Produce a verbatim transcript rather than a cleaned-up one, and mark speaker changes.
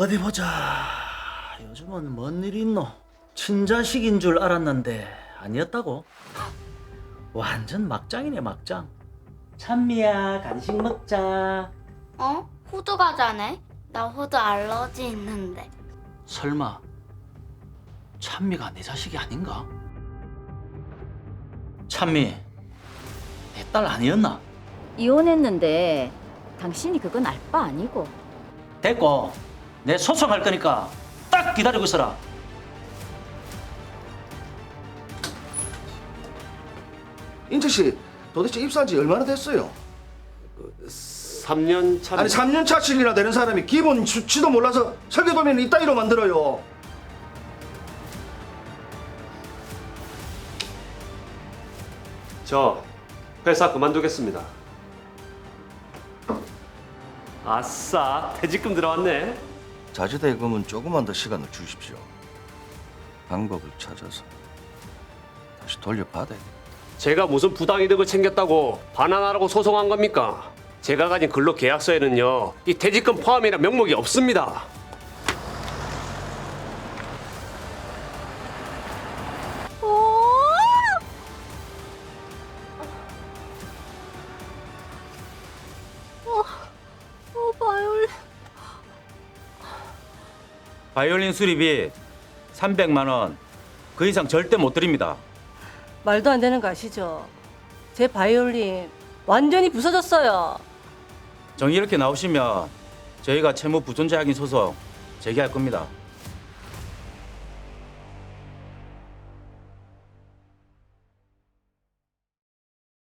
Speaker 1: 어디 보자. 요즘은 뭔 일이 있노? 친자식인 줄 알았는데 아니었다고? 완전 막장이네 막장. 찬미야 간식 먹자.
Speaker 2: 어? 호두 과자네? 나 호두 알러지 있는데.
Speaker 1: 설마 찬미가 내 자식이 아닌가? 찬미 내 딸 아니었나?
Speaker 3: 이혼했는데 당신이 그건 알 바 아니고.
Speaker 1: 됐고 내 소송할 거니까 딱 기다리고 있어라.
Speaker 4: 인철 씨 도대체 입사한 지 얼마나 됐어요?
Speaker 5: 삼 년 차.
Speaker 4: 아니 삼 년 차씩이나 되는 사람이 기본 수치도 몰라서 설계도면 이따위로 만들어요.
Speaker 5: 저 회사 그만두겠습니다. 아싸, 퇴직금 들어왔네.
Speaker 4: 자주대금은 조금만 더 시간을 주십시오. 방법을 찾아서 다시 돌려받아야 돼요.
Speaker 5: 제가 무슨 부당이득을 챙겼다고 반환하라고 소송한 겁니까? 제가 가진 근로 계약서에는요, 이 퇴직금 포함이라 명목이 없습니다.
Speaker 3: 어, 바이올린.
Speaker 6: 바이올린 수리비 삼백만 원. 그 이상 절대 못 드립니다.
Speaker 7: 말도 안 되는 거 아시죠? 제 바이올린 완전히 부서졌어요.
Speaker 6: 정이 이렇게 나오시면 저희가 채무 부존재 확인 소송 제기할 겁니다.